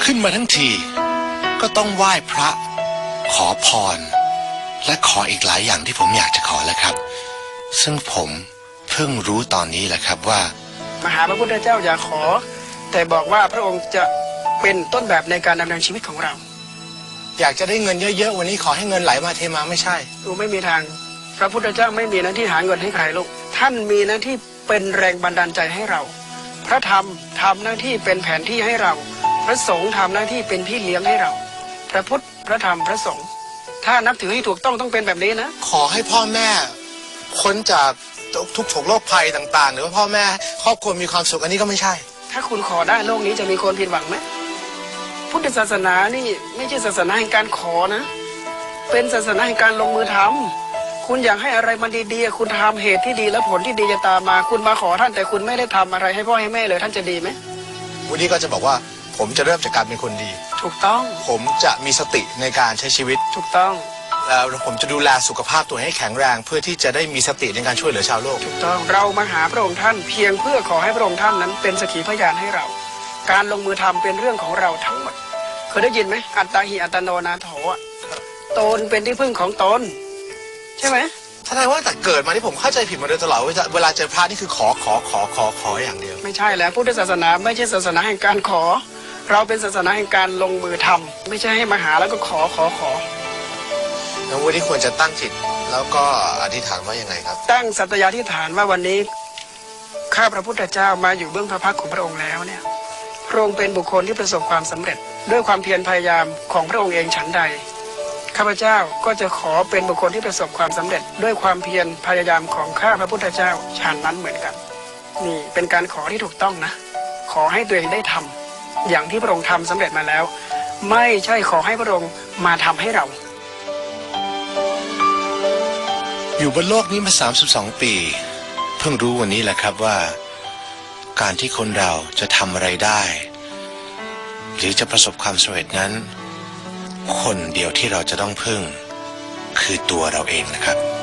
ขึ้นมาทั้งทีก็ต้องไหว้พระขอพรและขออีกหลายอย่างที่ผมอยากจะขอแล้วครับซึ่งผมเพิ่งรู้ตอนนี้แหละครับว่ามาหาพระพุทธเจ้าอย่าขอแต่บอกว่าพระองค์จะเป็นต้นแบบในการดำเนินชีวิตของเราอยากจะได้เงินเยอะๆวันนี้ขอให้เงินไหลมาเทมาไม่ใช่ดูไม่มีทางพระพุทธเจ้าไม่มีหน้าที่หาเงินให้ใครลูกท่านมีหน้าที่เป็นแรงบันดาลใจให้เราพระธรรมทำหน้าที่เป็นแผนที่ให้เราพระสงฆ์ทำหน้าที่เป็นพี่เลี้ยงให้เราพระพุทธพระธรรมพระสงฆ์ถ้านับถือให้ถูกต้องเป็นแบบนี้นะขอให้พ่อแม่พ้นจากทุกโศกโรคภัยต่างๆหรือว่าพ่อแม่ครอบครัวมีความสุขอันนี้ก็ไม่ใช่ถ้าคุณขอได้โลกนี้จะมีคนผิดหวังไหมพุทธศาสนานี่ไม่ใช่ศาสนาแห่งการขอนะเป็นศาสนาแห่งการลงมือทำคุณอยากให้อะไรมันดีๆคุณทำเหตุที่ดีและผลที่ดีจะตามมาคุณมาขอท่านแต่คุณไม่ได้ทำอะไรให้พ่อให้แม่เลยท่านจะดีไหมวันนี้ก็จะบอกว่าผมจะเริ่มจากการเป็นคนดีถูกต้องผมจะมีสติในการใช้ชีวิตถูกต้องแล้วผมจะดูแลสุขภาพตัวให้แข็งแรงเพื่อที่จะได้มีสติในการช่วยเหลือชาวโลกถูกต้องเรามาหาพระองค์ท่านเพียงเพื่อขอให้พระองค์ท่านนั้นเป็นสักขีพยานให้เราการลงมือทำเป็นเรื่องของเราทั้งหมดเคยได้ยินไหมอัตตาหิอัตโนนาโถตนเป็นที่พึ่งของตนใช่ไหมแสดงว่าแต่เกิดมาที่ผมเข้าใจผิดมาโดยตลอดเวลาเจอพระนี่คือขออย่างเดียวไม่ใช่แล้วพุทธศาสนาไม่ใช่ศาสนาแห่งการขอเราเป็นศาสนาแห่งการลงมือทำไม่ใช่ให้มาหาแล้วก็ขอแล้ววันนี้ควรจะตั้งจิตแล้วก็อธิษฐานว่ายังไงครับตั้งสัตยาธิษฐานว่าวันนี้ข้าพระพุทธเจ้ามาอยู่เบื้องพระพักตร์ของพระองค์แล้วเนี่ยพระองค์เป็นบุคคลที่ประสบความสำเร็จด้วยความเพียรพยายามของพระองค์เองฉันใดข้าพเจ้าก็จะขอเป็นบุคคลที่ประสบความสำเร็จด้วยความเพียรพยายามของข้าพระพุทธเจ้าฉันนั้นเหมือนกันนี่เป็นการขอที่ถูกต้องนะขอให้ตัวเองได้ทำอย่างที่พระองค์ทำสำเร็จมาแล้วไม่ใช่ขอให้พระองค์มาทำให้เราอยู่บนโลกนี้มา32 ปีเพิ่งรู้วันนี้แหละครับว่าการที่คนเราจะทำอะไรได้หรือจะประสบความสำเร็จนั้นคนเดียวที่เราจะต้องพึ่งคือตัวเราเองนะครับ